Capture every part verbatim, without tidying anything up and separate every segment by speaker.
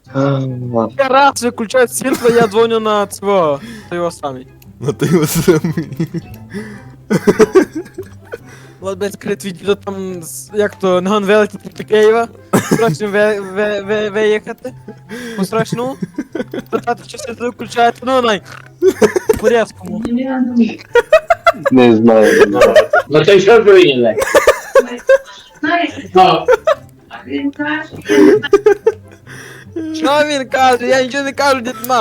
Speaker 1: Я раз выключаю світло, я дзвоню на цього, його самий.
Speaker 2: Ну ти його самий.
Speaker 1: От без крит відео там, з- як то, на вилетіти до Києва, срочно ви- ви- ви- виїхати, по срочну, питати, чи світло виключаєте, ну най, по різкому.
Speaker 3: Не знаю. не знаю.
Speaker 4: Ну то й що прийняли? Ну,
Speaker 1: Що він каже? Я нічого не кажу, дід на.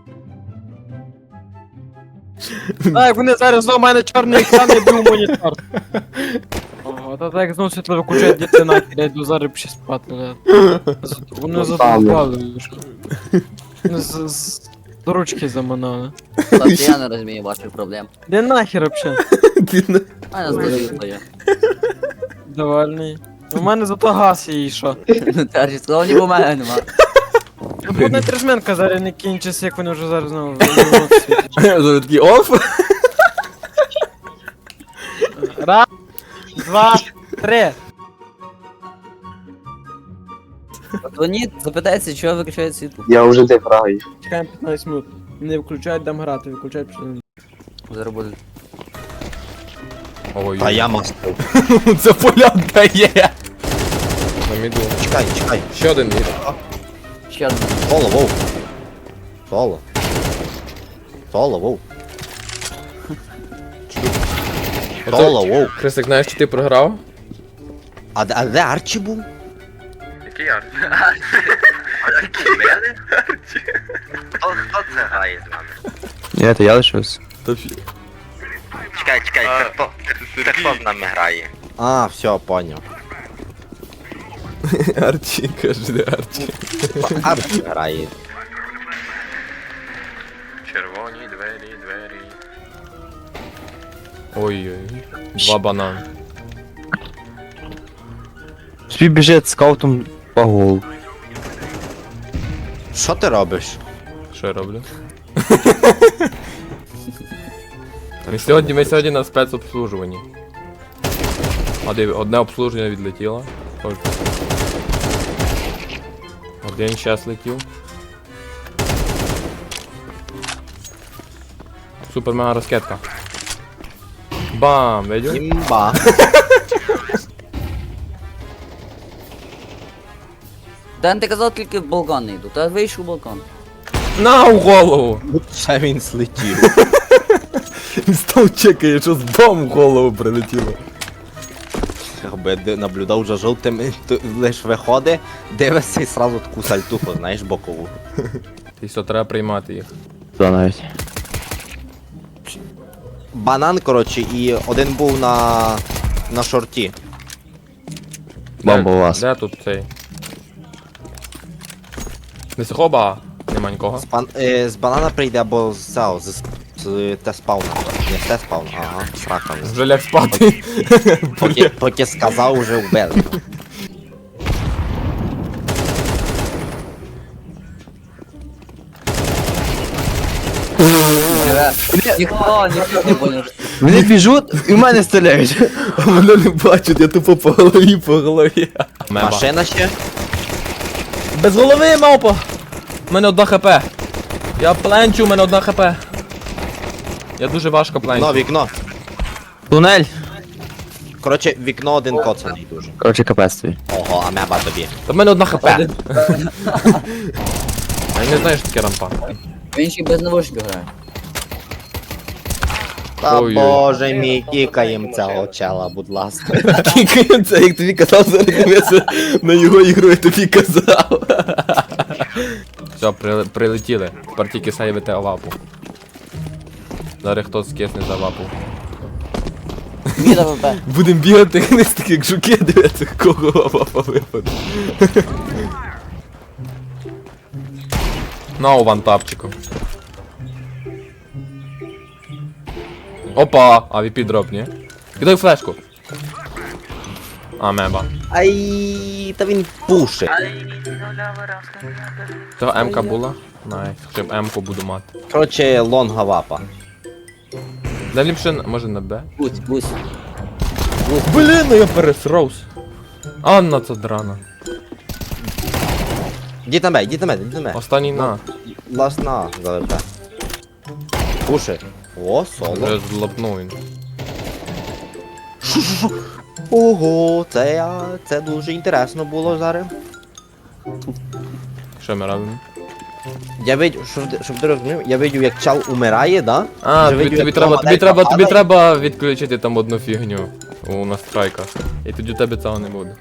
Speaker 1: А, як вони зараз знову в мене чорний екран і був монітор. Ого, та так знову світло виключають, діти нахер, я йду зараз ще спати. бля. З- Вони задовбали. Вони з- з до ручки заманали.
Speaker 5: Тобто я не розумію ваших проблем.
Speaker 1: Де нахер вообще?
Speaker 2: Ти на-
Speaker 5: У мене здоров'я є.
Speaker 1: Довольний. У мене зато газ є і що.
Speaker 5: Ну теж сказав, ні, бо в мене нема.
Speaker 1: Ну, одна трижменка зараз не кінчиться, як вони вже зараз знову виявляють.
Speaker 2: Зараз такий оф.
Speaker 1: Раз, два, три.
Speaker 5: Дзвоніть, запитайте, чого виключають світло.
Speaker 3: Я вже де граю.
Speaker 1: Чекаємо п'ятнадцять минут. Не включають, дам грати, виключають пішли.
Speaker 5: Зараз буде.
Speaker 2: Ой,
Speaker 3: А я мастер.
Speaker 2: це полянка є. На міду.
Speaker 3: Чекай, чекай.
Speaker 2: Ще один мід.
Speaker 5: Ще одне.
Speaker 3: Соло, воу. Соло. Соло, воу. Соло, воу.
Speaker 2: Христик, знаєш, що ти програв?
Speaker 3: А, де- а де Арчі був?
Speaker 6: Який арт? Який мене? Хто, хто це грає з вами?
Speaker 7: Ні, то я лишився.
Speaker 2: Та фі.
Speaker 6: Чекай, чекай, це хто? Це хто з нами грає?
Speaker 3: А, все, поняв.
Speaker 2: Арчі, каже, де Арчі.
Speaker 3: Арчі грає.
Speaker 6: Червоні двері, двері.
Speaker 2: Ой-ой. Два банани.
Speaker 7: Собі біжить скаутом по голову.
Speaker 3: Що ти робиш?
Speaker 2: Що я роблю? Ми сьогодні, ми сьогодні на спецобслужуванні. А диви, одне обслуження відлетіло. Ось. Один щас летів. Супер мега розкетка. Бам! Видів?
Speaker 3: Імба.
Speaker 5: Дан, ти казав тільки в балкон не йду, та вийшов в балкон.
Speaker 2: На у голову!
Speaker 3: Ще він слетів.
Speaker 2: Він став чекає, що з бомб в голову прилетіло.
Speaker 3: Якби де- наблюдав за жовтим, то лиш виходить, дивишся і сразу таку сальтуху, знаєш, бокову.
Speaker 2: І все, треба приймати їх.
Speaker 7: Туди навіть.
Speaker 3: Банан, коротше, і один був на. на шорті.
Speaker 7: Бомба
Speaker 2: Де-
Speaker 7: у вас.
Speaker 2: Де тут цей? Десь хоба! Нема нікого.
Speaker 3: З, бан... е, з банана прийде або з цього, з, з те-спауна. Не з те-спауна, ага, з раками.
Speaker 2: Вже ляг спати.
Speaker 3: Поки, поки сказав, вже вбили.
Speaker 5: Ніхто, ніхто не поняв.
Speaker 7: Вони біжуть і в мене стріляють.
Speaker 2: А мене не бачать, я тупо по голові, по голові. Меба.
Speaker 3: Машина ще?
Speaker 2: Без голови, мавпа! У мене одна хп. Я пленчу, у мене одна хп. Я дуже важко
Speaker 3: Вікно,
Speaker 2: пленчу.
Speaker 3: вікно.
Speaker 7: Тунель.
Speaker 3: Коротше, вікно один коцаний дуже.
Speaker 7: Коротше, капець твій.
Speaker 3: Ого, а меба тобі.
Speaker 2: Та в мене одна хп. Я не знаю, що таке рампа.
Speaker 5: Він ще й без навушників грає.
Speaker 3: Та
Speaker 2: Ой-ой.
Speaker 3: боже мій, кікаєм цього чела, будь ласка.
Speaker 2: Кікаєм це, як тобі казав, зараз дивися на його ігру, я тобі казав. Все, при, прилетіли. Тепер тільки сейвити авапу. Зараз хтось скисне за авапу.
Speaker 5: Міда ВП.
Speaker 2: Будем бігати вниз так як жуки, дивитися, кого авапа випаде. На вантапчиком. Опа! А ві пі дроп, ні? Кидай флешку. А, меба.
Speaker 3: Ай, та він пушить.
Speaker 2: Це М-ка була? Найс. Щоб М-ку буду мати.
Speaker 3: Коротше, лонга вапа.
Speaker 2: Да ліпше, на- може на Б?
Speaker 5: Гусь, гусь.
Speaker 2: Блін, ну я пересрався. Анна це драна.
Speaker 3: Йдіть на мене, йдіть на мене, йдіть на мене.
Speaker 2: Останній на.
Speaker 3: Ласт на, залепте. Пуши. О, соло.
Speaker 2: Вже злапнув він.
Speaker 3: Ого, це я, це дуже інтересно було зараз.
Speaker 2: Що ми робимо?
Speaker 3: Я видів, щоб, ти- щоб ти розумів, я видів, як чал умирає, да?
Speaker 2: А,
Speaker 3: Вже
Speaker 2: тобі,
Speaker 3: видів,
Speaker 2: тобі
Speaker 3: як
Speaker 2: треба, тобі
Speaker 3: помаленьку
Speaker 2: треба, тобі
Speaker 3: падає.
Speaker 2: треба відключити там одну фігню у настройках. І тоді у тебе цього не буде.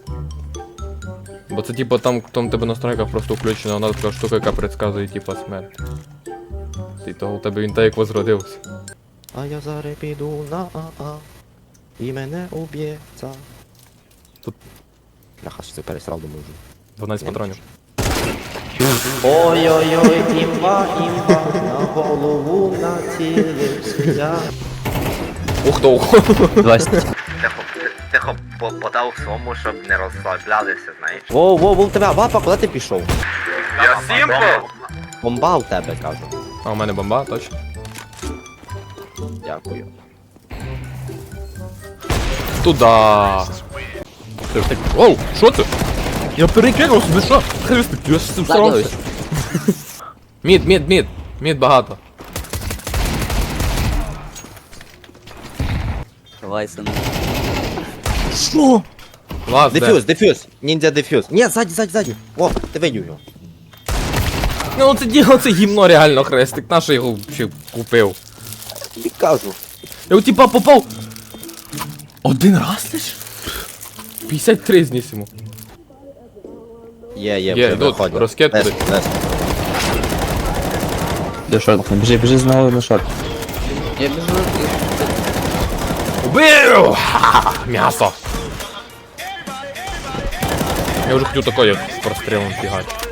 Speaker 2: Бо це типу там, там у тебе настройка просто включена, вона така штука, яка предсказує типу смерть. І того у тебе він так як возродився.
Speaker 3: А я зараз піду на АА. І мене уб'ється.
Speaker 2: Тут-
Speaker 3: Бляха, що це пересрав, думаю вже.
Speaker 2: дванадцять патронів.
Speaker 3: Ой-ой-ой, імба, імба, на голову націлився.
Speaker 2: Ух то!
Speaker 7: двадцять.
Speaker 6: Тихо, тихо по- подав своєму, щоб не розслаблялися, знаєш.
Speaker 3: Воу, воу, воу, тебе, Вапа, куди ти пішов?
Speaker 6: Я Сімпл!
Speaker 3: Бомба у тебе, кажу.
Speaker 2: А у мене бомба, точно.
Speaker 3: Дякую.
Speaker 2: Туда! Ти ж так- Оу, що це? Я перекинув собі, що? Христик, я ж
Speaker 5: Заділись.
Speaker 2: Мід, мід, мід. Мід багато.
Speaker 5: Давай, сину.
Speaker 2: Лаз, де?
Speaker 3: Дефюз, дефюз, ніндзя дефюз. Ні, ззаді, ззаді, ззаді. О, ти видів його.
Speaker 2: Ну це діло, це гімно реально, Хрестик. На що його ще купив?
Speaker 3: І кажу.
Speaker 2: Я у типа попав. Один раз лиш? п'ятдесят три зніс йому.
Speaker 3: Є, є,
Speaker 2: Є,
Speaker 3: вже
Speaker 2: йдуть,
Speaker 3: виходять.
Speaker 2: розкид
Speaker 3: Десь,
Speaker 2: туди.
Speaker 3: десь.
Speaker 7: Де шорт? Біжи, біжи знову на шорт.
Speaker 5: Я біжу.
Speaker 2: Убив! Ха-ха, м'ясо! Я вже хотів такое з прострілом фігати.